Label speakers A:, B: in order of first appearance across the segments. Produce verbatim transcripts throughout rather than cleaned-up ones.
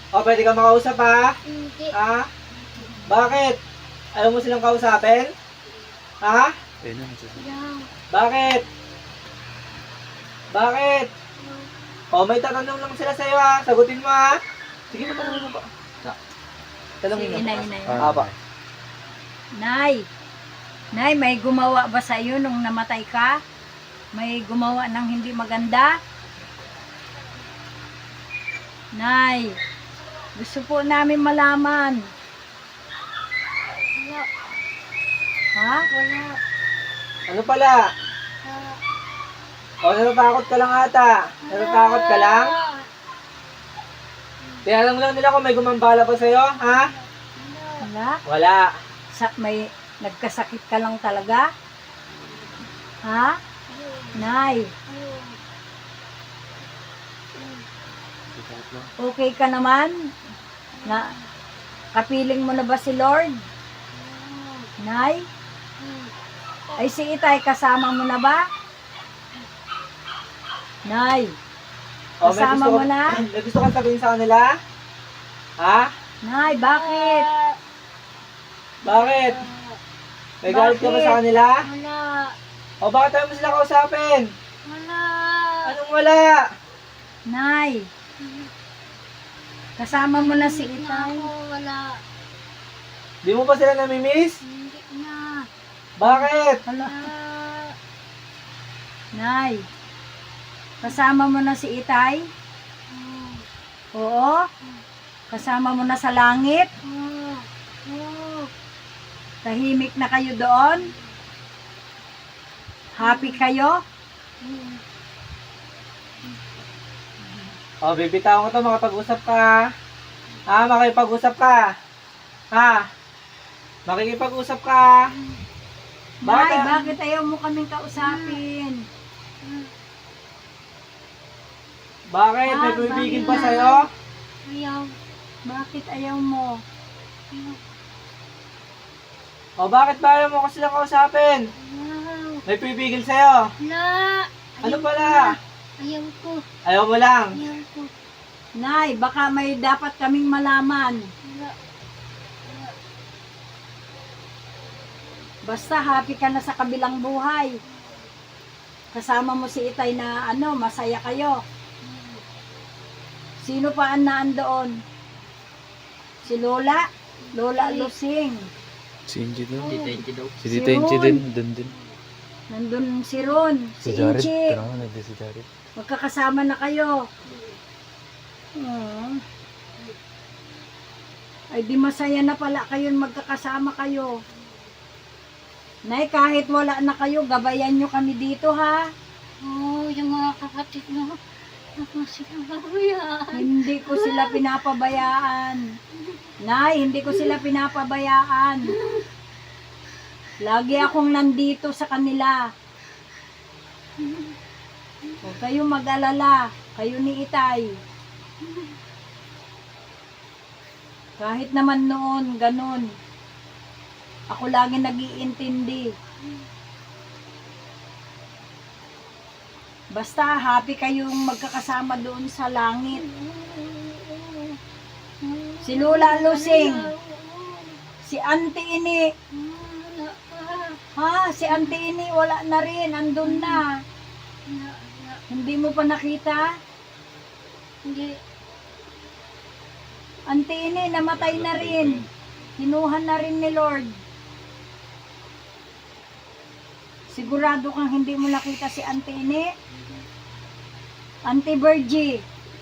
A: O, pwede ka makausap ha?
B: Hindi.
A: Ha? Bakit? Ayaw mo silang kausapin? Ha?
C: Ayun na, nagsasabi.
B: Ayaw.
A: Bakit? Bakit? O, may tatanong lang sila sa'yo ha. Sagutin mo ha. Sige, matanong mo pa. Ta- Tanongin mo.
D: Si inay, inay.
A: Ah, pa.
D: Nay, Nay, may gumawa ba sa iyo nung namatay ka? May gumawa ng hindi maganda? Nay, gusto po namin malaman.
B: Wala.
D: Ha?
B: Wala.
A: Ano pala?
B: Wala.
A: O, natatakot ka lang ata. Natatakot ka lang? Kaya alam lang nila kung may gumambala pa sa'yo, ha?
D: Wala?
A: Wala.
D: Sa, may nagkasakit ka lang talaga? Ha? Nay, okay ka naman? Na, kapiling mo na ba si Lord? Nay? Ay si Itay, kasama mo na ba? Nay,
A: O, may
D: kasama
A: gusto
D: mo
A: ka-
D: na?
A: May gusto kang sabihin sa kanila? Ha?
D: Nay, bakit?
A: Bakit? May galit ka ba
D: Bakit?
A: sa kanila?
B: Wala.
A: O, bakit tayo mo sila kausapin?
B: Wala.
A: Anong wala?
D: Nay, kasama mo na si Itay?
B: Ako, wala.
A: Di mo ba sila namimiss?
B: Hindi na.
A: Bakit?
D: Hala,
B: Ah,
D: Nay, kasama mo na si Itay?
B: ah,
D: Oo? Kasama mo na sa langit?
B: ah, ah.
D: Tahimik na kayo doon? Happy kayo?
B: Hmm.
A: O, bibitawan ko to, makapag-usap ka. Ha? Makipag-usap ka. Ha? Makikipag-usap ka. Bakit?
D: Nay, bakit ayaw mo kaming kausapin?
A: Bakit? May
D: Ah,
A: pumipigil
D: bakit?
A: pa sa'yo?
B: Ayaw.
D: Bakit ayaw mo?
B: Ayaw.
A: O, bakit ba ayaw mo ko silang kausapin?
B: Ayaw.
A: May pumipigil sa'yo.
B: Wala.
A: Ano pala?
B: Ayaw ko.
A: Ayaw mo lang.
B: Ayaw ko.
D: Nay, baka may dapat kaming malaman.
B: Wala.
D: Basta happy ka na sa kabilang buhay. Kasama mo si Itay na ano, masaya kayo. Sino pa ang naandoon? Si Lola? Lola Lusing.
C: Si Inchi daw.
E: daw.
C: Si Tita Inchi din, dun din.
D: Nandun si Ron,
C: Si
D: si
C: Jared.
D: Inchi.
C: Tara nga, nandun si Jared.
D: Magkakasama na kayo. Hmm. Ay di masaya na pala kayo magkakasama kayo. Nay, kahit wala na kayo, gabayan nyo kami dito ha.
B: Oo, yung mga kapatid mo. Ako sila babuyan.
D: Hindi ko sila pinapabayaan. Nay, hindi ko sila pinapabayaan. Lagi akong nandito sa kanila. Huwag kayong mag-alala. Kayo ni Itay. Kahit naman noon, ganun. Ako lagi nag-iintindi. Basta happy kayong magkakasama doon sa langit. Si Lola Lusing, si Auntie Ini,
B: Wala pa.
D: ha, si Auntie Ini wala na rin, andun na.
B: Wala, wala.
D: Hindi mo pa nakita?
B: Hindi.
D: Auntie Ini, namatay na rin. Kinuha na rin ni Lord. Sigurado kang hindi mo nakita si Auntie Ini? Auntie Virgie.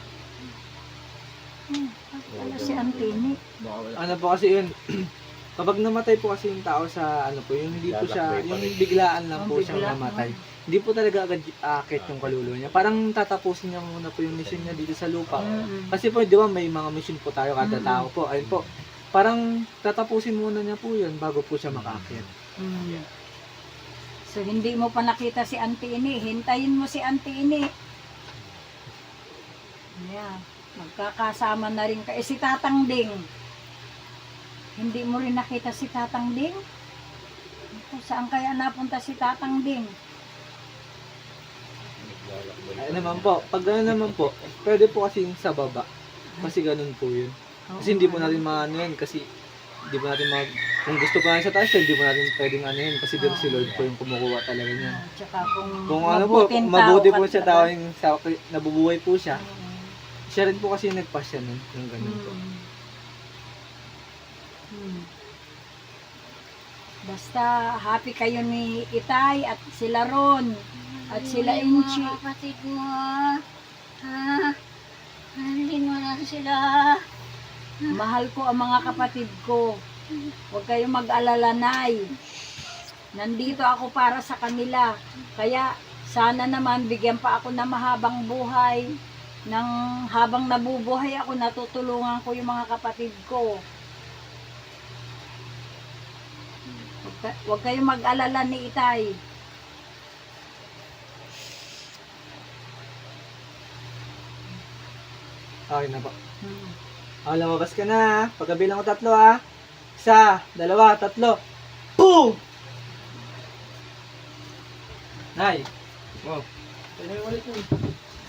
D: Hmm, ano si Auntie Ini?
A: Ano po kasi yun? Kapag namatay po kasi yung tao sa ano po, yung hindi po siya, yung biglaan lang po
D: Oh,
A: siyang
D: bigla.
A: namatay. Hindi po talaga agad akit yung kaluluwa niya. Parang tatapusin niya muna po yung mission niya dito sa lupa.
D: Mm-mm.
A: Kasi po, di ba may mga mission po tayo kada
D: Mm.
A: tao po. Ayun po, parang tatapusin muna niya po yun bago po siya makakit.
D: Mm. So, hindi mo pa nakita si Auntie Ini. Hintayin mo si Auntie Ini. Yeah. Magkakasama na rin kayo. Eh, si Tatang Ding. Hindi mo rin nakita si Tatang Ding? Kung saan kaya napunta si Tatang Ding?
A: Ay naman po, pag gano'n naman po, pwede po kasi yung sa baba. Kasi ganun po yun.
D: Oo,
A: Kasi hindi po
D: ano.
A: natin maano yan. Kasi hindi po natin mag... Kung gusto pa natin sa taas, hindi po natin pwedeng ano yun. Kasi doon si Lord po yung kumukuha talaga niya.
D: Ah, Tsaka kung,
A: Kung ano po,
D: mabuting
A: kung mabuti
D: tao
A: po
D: ka
A: siya,
D: talaga.
A: tao yung sa, nabubuhay po siya.
D: Mm.
A: Siya rin po kasi yung nagpasya nun. Yung ganun po.
D: Hmm. Hmm. Basta happy kayo ni Itay at sila Ron at sila
B: Yung
D: Inchi.
B: mga kapatid mo, ha? Halin mo na sila.
D: Mahal ko ang mga kapatid ko. Huwag kayong mag-alala, Nay. Nandito ako para sa kanila. Kaya sana naman bigyan pa ako ng mahabang buhay. Nang habang nabubuhay ako, natutulungan ko yung mga kapatid ko. Huwag, ka- huwag kayong mag-alala ni Itay.
A: Okay na po.
D: Hmm.
A: Ah, lumabas ka na ha. Pagkabilang ko tatlo ha. Isa, dalawa, tatlo. Boom! Nay. Wow. Kaya na yung ulit yun.